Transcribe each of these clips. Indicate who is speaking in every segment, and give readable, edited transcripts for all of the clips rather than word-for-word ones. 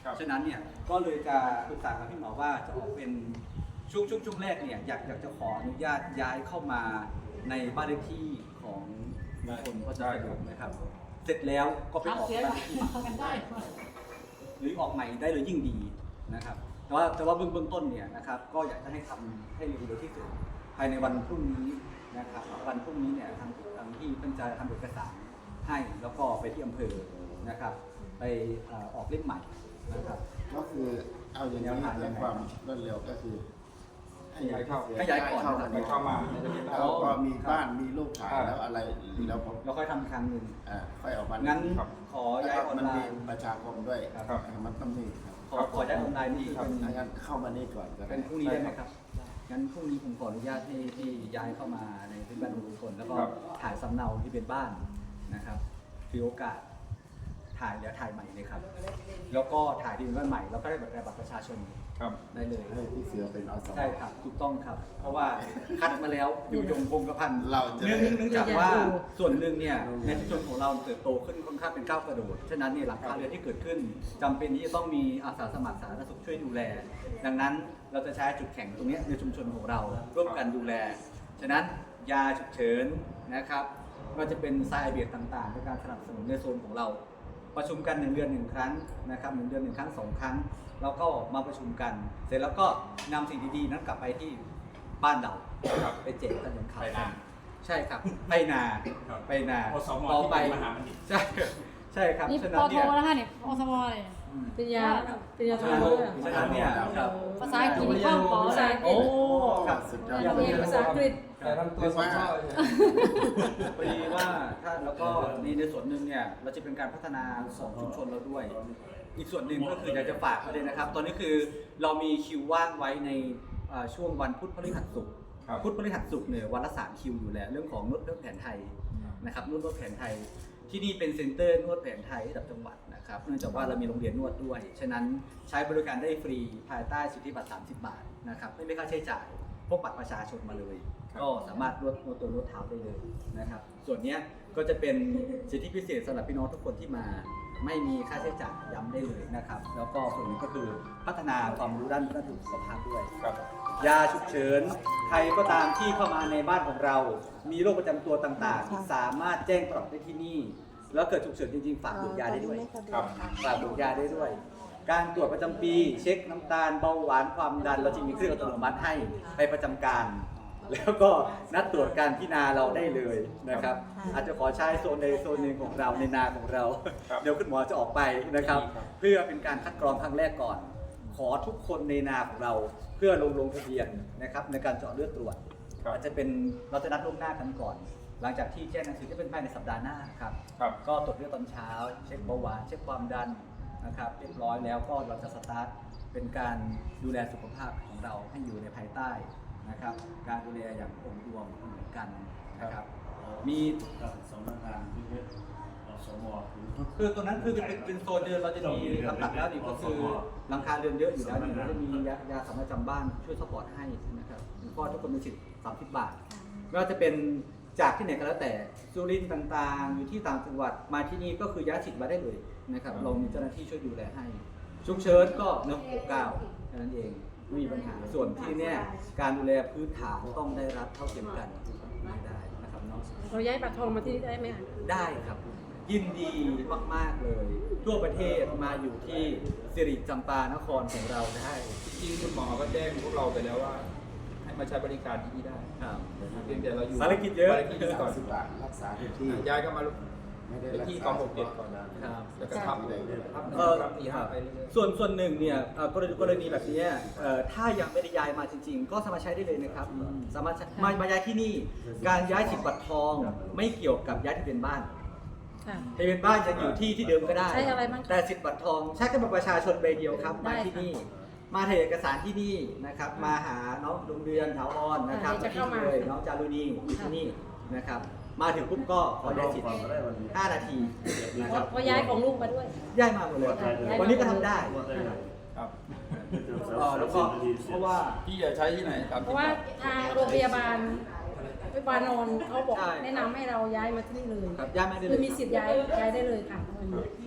Speaker 1: ฉะนั้นเนี่ยก็เลยจะปรึกษากับพี่หมอว่าจะออกเป็นช่วงแรกเนี่ยอยากจะขออนุญาตย้ายเข้ามาในบ้านเลขที่ของมงคลก็จะสะดวกนะครับเสร็จแล้วก็ไปออกบ้านเลขที่หรือออกใหม่ได้เลยยิ่งดีนะครับแต่ว่าเบื้องต้นเนี่ยนะครับก็อยากจะให้ทำให้เร็วที่สุดภายในวันพรุ่งนี้นะครับวันพรุ่งนี้เนี่ยทางที่เพิ่งจะทำเอกสารให้แล้วก็ไปที่อำเภอนะครับไปออกเล่มใหม่นะครับ
Speaker 2: ก็คือเอาอย่างนี้ในความรวดเร็วก็คือให้ย้ายเข้า
Speaker 1: ก็ย้ายก่อน
Speaker 3: เข้ามา
Speaker 2: แล้วก็มีบ้านมีลูกถ่ายแล้วอะไรแล้วผม
Speaker 1: เราค่อยทำอีกครั้งหนึ่ง
Speaker 2: ค่อยออกมา
Speaker 1: งั้นขอย้ายออน
Speaker 2: มัน
Speaker 1: ไล
Speaker 2: มี
Speaker 1: น์
Speaker 2: ประชาคมด้วยมันต้องมีครับ
Speaker 1: ขอย้ายออนไลน์นี่เป็น
Speaker 2: งั้นเข้ามานี่ก่อนก็ได้
Speaker 1: เป็นพรุ่งนี้ได้ไหมครับงั้นพรุ่งนี้ผมขออนุญาตที่ย้ายเข้ามาในพื้นบ้านของทุกคนแล้วก็ถ่ายสำเนาที่เป็นบ้านนะครับถือโอกาสถ่ายแล้วถ่ายใหม่เลยครับแล้วก็ถ่ายที่เป็นบ้านใหม่แล้วก็ได้บัตรประชาชนได้เลย
Speaker 2: ให้พี่เสือเป็นอสม
Speaker 1: ใช่ครับถูกต้องครับ เพราะว่าคัดมาแล้วอยู่ยงคงกระพัน
Speaker 2: เราจะ
Speaker 1: เนื่องจากว่าส่วนหนึ่งเนี่ยในชุมชนของเราเติบโตขึ้นค่อนข้างเป็นก้าวกระโดดฉะนั้นเนี่ยหลังคาเรือนที่เกิดขึ้นจำเป็นที่จะต้องมีอาสาสมัครสาธารณสุขช่วยดูแล ดังนั้นเราจะใช้จุดแข็งตรงนี้ในชุมชนของเราร่วมกันดูแลฉะนั้นยาฉุกเฉินนะครับก็จะเป็นไซเบียต่างๆในการสนับสนุนในโซนของเราประชุมกัน1 เดือน 1 ครั้งนะครับ1 เดือน 1 ครั้ง 2 ครั้งแล้วก็มาประชุมกัน เสร็จแล้วก็นำสิ่งดีๆนั้นกลับไปที่บ้านเราไปแจกกันอย่างข่าวกันใช่ครับไปนาต่อไปใช่ครับ
Speaker 4: นี่
Speaker 1: ฉะ
Speaker 4: ป
Speaker 1: นั้น
Speaker 4: โท
Speaker 1: เนี่ย
Speaker 4: แล้วค่ะเนี่ยอสมเลยปริญญาโทด้วย
Speaker 1: ฉะนั้นเนี่ยครับ
Speaker 4: ภาษาอังกฤษมีข้อปอภาษาอังกฤ
Speaker 1: โอ้
Speaker 4: ษ
Speaker 1: ครับ
Speaker 2: สุดยอด
Speaker 4: เรียนภาษาอังกฤษ
Speaker 3: แต่ทำตัวสมชอบ
Speaker 1: พอดีว่าถ้าแล้วก็ในส่วนหนึ่งเนี่ยเราจะเป็นการพัฒนาของชุมชนเราด้วย อีกส่วนหนึ่งก็คืออยากจะฝากประเด็นนะครับ ตอนนี้คือเรามีคิวว่างไว้ในช่วงวันพุธพฤหัสศุกร์พุธพฤหัสศุกร์เนี่ยวันละ3 คิวอยู่แล้วเรื่องของนวดแผนไทยนะครับนวดแผนไทยที่นี่เป็นเซ็นเตอร์นวดแผนไทยระดับจังหวัดนะครับเนื่องจากว่าเรามีโรงเรียนนวดด้วยฉะนั้นใช้บริการได้ฟรีภายใต้สิทธิบัตร30 บาทนะครับไม่มีค่าใช้จ่ายพกบัตรประชาชนมาเลย ก็สามารถนวดตัวนวดเท้าได้เลยนะครับส่วนนี้ก็จะเป็นสิทธิพิเศษสำหรับพี่น้องทุกคนที่มาไม่มีค่าใช้จ่ายย้ำได้เลยนะครับแล้วก็ส่วนนี้ก็คือพัฒนาความรู้ด้านสุขภาพด้วยยาฉุกเฉินใครก็ตามที่เข้ามาในบ้านของเรา มีโรคประจำตัวต่างๆ สามารถแจ้งปรับได้ที่นี่ แล้วเกิดฉุกเฉินจริงๆฝากบุตรยาได้ด้วยฝากบุตรยาได้ด้วย การตรวจประจำปีเช็คน้ำตาลเบาหวานความดันเราจะมีเครื่องอัตโนมัติให้ไปประจำการ แล้วก็นัดตรวจการที่นาเราได้เลยนะครับอาจจะขอใช้โซนใดโซนหนึ่งของเราในนาของเราเดี๋ยวคุณหมอจะออกไปนะครับเพื่อเป็นการคัดกรองครั้งแรกก่อน ขอทุกคนในนาของเราเพื่อลงทะเบียนนะครับในการเจาะเลือดตรวจอาจจะเป็นเราจะนัดล่วงหน้ากันก่อน หลังจากที่แจ้งหนังสือจะเป็นภายในสัปดาห์หน้าครับก็ตรวจเลือดตอนเช้าเช็คเบาหวานเช็คความดันนะครับเรียบร้อยแล้วก็เราจะสตาร์ทเป็นการดูแลสุขภาพของเราให้อยู่ในภายใต้นะครับการดูแลอย่างองค์รวมเหมือนกันนะครับมี
Speaker 5: สำนักงานที่เป็นสม
Speaker 1: คือตรงนั้นคือเป็นโซนเดินเราจะมีลำดับแล้วนี่ก็คือหลังคาเรือนเยอะอยู่แล้วนี่เราจะมียาสำหรับจำบ้านช่วยซัพพอร์ตให้นะครับก็ทุกคนมีสิทธิ์30 บาทไม่ว่าจะเป็นจากที่ไหนก็แล้วแต่สุรินทร์ต่างๆอยู่ที่ต่างจังหวัดมาที่นี่ก็คือย้ายสิทธิ์มาได้เลยนะครับเรามีเจ้าหน้าที่ช่วยดูแลให้ฉุกเฉินก็169แค่นั้นเองไม่มีปัญหาส่วนที่เนี่ยการดูแลพื้นฐานต้องได้รับเท่าเทียมกันไม่ได้นะครับน้อง
Speaker 4: เราย้ายปักทองมาที่นี่ได้ไหมคะ
Speaker 1: ได้ครับยินดีมากๆเลย ทั่วประเทศมาอยู่ที่สิริจำปานครของเราได้
Speaker 3: จริงๆคุณหมอก็แจ้งพวกเราไปแล้วว่าให้มาใช้บริการที่นี่ได้
Speaker 1: ครับ
Speaker 3: เพียงแต่เราอยู่
Speaker 1: ภารกิจเยอะ
Speaker 3: ภารกิจก่อน
Speaker 2: 30 บาทรักษาที่ที่
Speaker 3: ย้ายก็มา
Speaker 2: ไม่ได้
Speaker 3: เป็น
Speaker 2: รัก
Speaker 3: ที่
Speaker 2: ษาก
Speaker 3: อง6 7ก่อนนะครับ แล้วก็ทับเลยทับ4 5ไปเรื่อย
Speaker 1: ส่วนหนึ่งเนี่ยกรณีแบบนี้ถ้ายังไม่ได้ย้ายมาจริงๆ ก็สามารถใช้ได้เลยนะครับสามารถมาย้ายที่นี่การย้ายสิทธิ์บัตรทองไม่เกี่ยวกับย้ายทะเบียนบ้าน
Speaker 4: ค่ะ
Speaker 1: ทะเบียนบ้านจะอยู่ที่เดิมก็ได้
Speaker 4: ใช้อะไรบ้าง
Speaker 1: แต่สิทธิ์บัตรทองใช้แค่บัตรประชาชนใบเดียวครับมาที่นี่ มาถ่ายเอกสารที่นี่นะครับมาหาน้องดวงเดือนถาวรนะครับ
Speaker 4: จะเข้ามา
Speaker 1: เลยน้องจารุณีอยู่ที่นี่นะครับมาถึงปุ๊บก็ขอย้ายสิทธิ์5 นาทีนะครับ
Speaker 4: เพราะย้ายของลูกมาด้วย
Speaker 1: ย้ายมาหมดเลยวันนี้ก็ทำได้
Speaker 3: ครับ
Speaker 1: แล้วก็เพราะว่า
Speaker 3: พี่จะใช้ที่ไหนตาม
Speaker 4: เพ
Speaker 3: ที่
Speaker 4: ราะว่าทางโรงพยาบาลนนท์เขาบอก
Speaker 1: ใช่
Speaker 4: แนะนำให้เราย้ายมาที่นี่เลย
Speaker 1: ครับย้ายมาได้เลย
Speaker 4: คือมีสิทธิ์ย้ายได้เลยค่ะ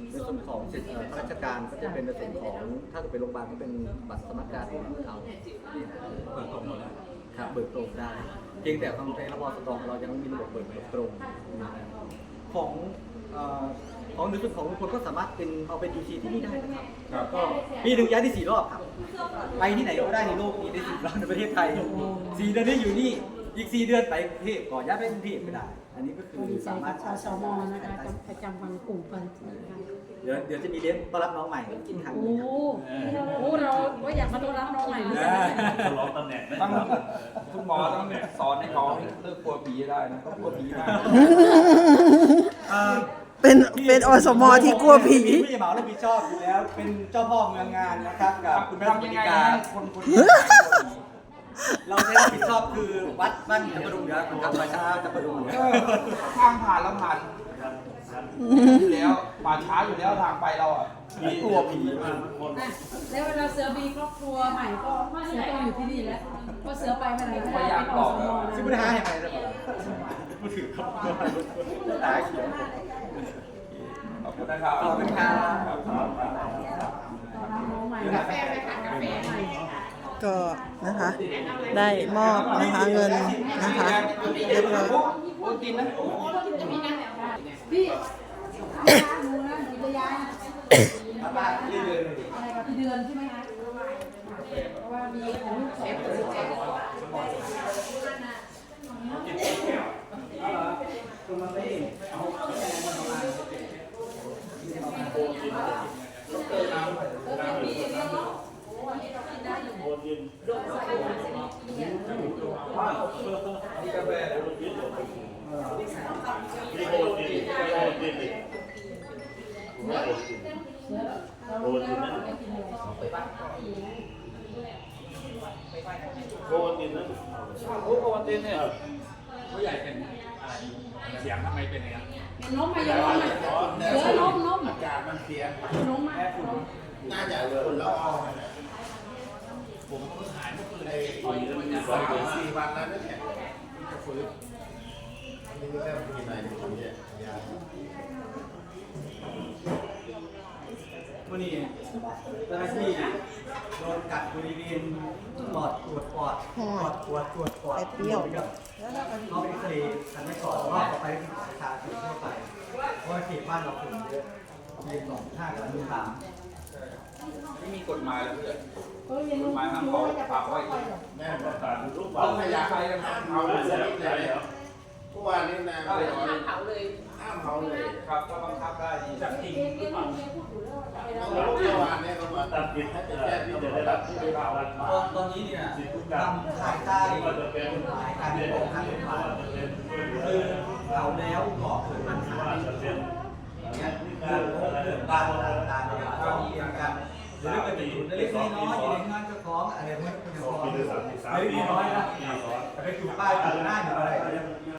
Speaker 1: ในส่วนของสิทธิข้าราชการก็จะเป็นในส่วนของถ้าเกิดเป็นโรงพยาบาลก็เป็นบัตรสมัครการของเขา
Speaker 3: เปิดตรงหมดแล้ว
Speaker 1: ครับเบิกตรงได้เพียงแต่ของในระบบสตองเรายังไม่มีระบบเบิกตรงของของในส่วนของลุงพลก็สามารถเป็นเอาเป็น UC ที่นี่ได้นะครับ
Speaker 3: ครับ
Speaker 1: ก็ปีหนึ่งย้ายได้4 รอบครับไปที่ไหนก็ได้ในโลกนี้ได้10 รอบในประเทศไทย4 เดือนนี้อยู่นี่อีก4 เดือนไปกรุงเทพก่อนย้ายไปกรุงเทพไม่ได้ อันนี้ก็คือ
Speaker 4: ดีใจ
Speaker 1: สามาร
Speaker 4: กั
Speaker 1: ถ
Speaker 4: บอสมนะคะประจำวันกลุ่มกันนะคะ
Speaker 1: เดี๋ยวจะมีเลี้ยงต้อนรับน้องใหม่กินครั้ง
Speaker 4: โอ้
Speaker 1: นี้ครับ
Speaker 4: โหเราก็อยากมาต้อนรับน้องใหม่เหมือนกันนะ
Speaker 5: ฉลองตำแหน่งนะ
Speaker 3: ต้อง
Speaker 5: ครับ
Speaker 3: คุณหมอต้องสอนให้เขาเลิกกลัวผีได้นะเขากลัวผีมาก
Speaker 6: เป็นอสมที่กลัวผี
Speaker 1: ผู้ใหญ่เหมารับผิดชอบอยู่แล้ว เป็นเจ้าพ่อเมืองงานนะครับกับคุณแม่
Speaker 3: ทำ
Speaker 1: ส
Speaker 3: ยั
Speaker 1: วัส
Speaker 3: ง
Speaker 1: ดิ
Speaker 3: ไง
Speaker 1: การ
Speaker 3: ให้คนคนนี้ไม่กลัวผี
Speaker 1: เราได้รับผิดชอบคือวัดบ้านจับประดุงเหนือครับประชาจับประดุงเหนือ
Speaker 3: ทางผ่านเราผ่านอยู่แล้วป่าช้าอยู่แล้วทางไปเราอ่ะกลัวผี
Speaker 4: แล้วเวลาเสือมีครอบครัวใหม่ก็เสือต้องอยู่ที่นี่แล้วเพราะเสือไปไหนไม่ได้เป็นอสม
Speaker 1: ซึ่งไม่ได้ให้ไปเลยพูดถึงครับตายเขียว
Speaker 3: ขอบคุณนะครับ
Speaker 1: ขอบคุณครับ
Speaker 4: น้องใหม่กาแฟไหมคะกาแฟใหม่
Speaker 6: ก็นะคะ ได้มอบนะคะเงินนะคะเรียบร้อย
Speaker 3: โอนตินนะ
Speaker 4: พี่หนูนะหนูจะย้ายอะไรกับพี่เดือนใช่ไหมคะเพราะว่ามีของลูกสองคนแจ๊ค
Speaker 3: นี่กาแฟ
Speaker 5: โคตินนะ
Speaker 3: โอ้โอนตินเนี่ยผู้ใหญ่เป็นอะไรเสียงทำไมเป็นอย่างนี้
Speaker 4: เป็นล้มมาอย่างล้มมาเสือล้ม
Speaker 2: อากาศมันเสีย
Speaker 4: ล้มมา
Speaker 2: น่าจะคนละออง
Speaker 5: ผมหายเมื่อคืน
Speaker 2: ไอ้4 วันแล้วเนี่ยจะฟื้นอันนี้ก็แค่กินอะไรในคนเนี่ยยา
Speaker 1: วันนี้เจ้าหน้าที่โดนกัดบริเวณปอดตรวจปอดตรวจปอด
Speaker 6: ไอ้เปรี้ยว
Speaker 1: เขาไปเอ็กซเรย์ทันไม่ก่อนว่าต่อไปประชาชนทั่วไปเพราะว่าเขตบ้านเราคนเยอะเรียน2 5กับ1
Speaker 3: ไม่มีกฎหมายแล้วเพื่อน
Speaker 4: เขาเรียน
Speaker 3: ก
Speaker 4: รู้
Speaker 3: ฎหมายห้าม
Speaker 4: รู้
Speaker 3: เผา
Speaker 4: ว่าจะ
Speaker 3: ฝากไว้
Speaker 2: แม่
Speaker 5: ประกาศรูป
Speaker 2: ต้
Speaker 5: บ้า
Speaker 2: อง
Speaker 5: น
Speaker 2: พยายาม
Speaker 3: ใครกัน
Speaker 2: ห้าม
Speaker 3: เผา
Speaker 2: เผา
Speaker 3: เล
Speaker 2: เลย ยเลยเมื่อวานนี้นะห้ามเผาเลยห้ามเผาเลย
Speaker 3: ครับถ้าบังคับได้ดีจับจริงหรือเปล่า
Speaker 2: เมื่อวานเนี่ยเขาบอก
Speaker 5: ตัดสินที่จะได้รับที่ได้รับ
Speaker 1: ตอนนี้เนี่ย
Speaker 5: สิทธิทุกอย่าง
Speaker 1: ทำภายใต้
Speaker 5: ว่าจะเป็น
Speaker 1: หลายการปกครองทางกฎหมาย
Speaker 5: ว่าจะเป็น
Speaker 1: คือเราแล้วก่อเกิดปัญหา
Speaker 5: ว่าจะเป็น
Speaker 1: เนี่ยเรื่องบ้านต่างๆเรามีกันหรือเกิดจุดเล็กๆน้อยๆอยู่ในงานเจ้าของอะไรพวกนี้ก็ยังพอเล็กน้อยนะแต่ไปจุดป้ายจุดหน้าอยู่อะไร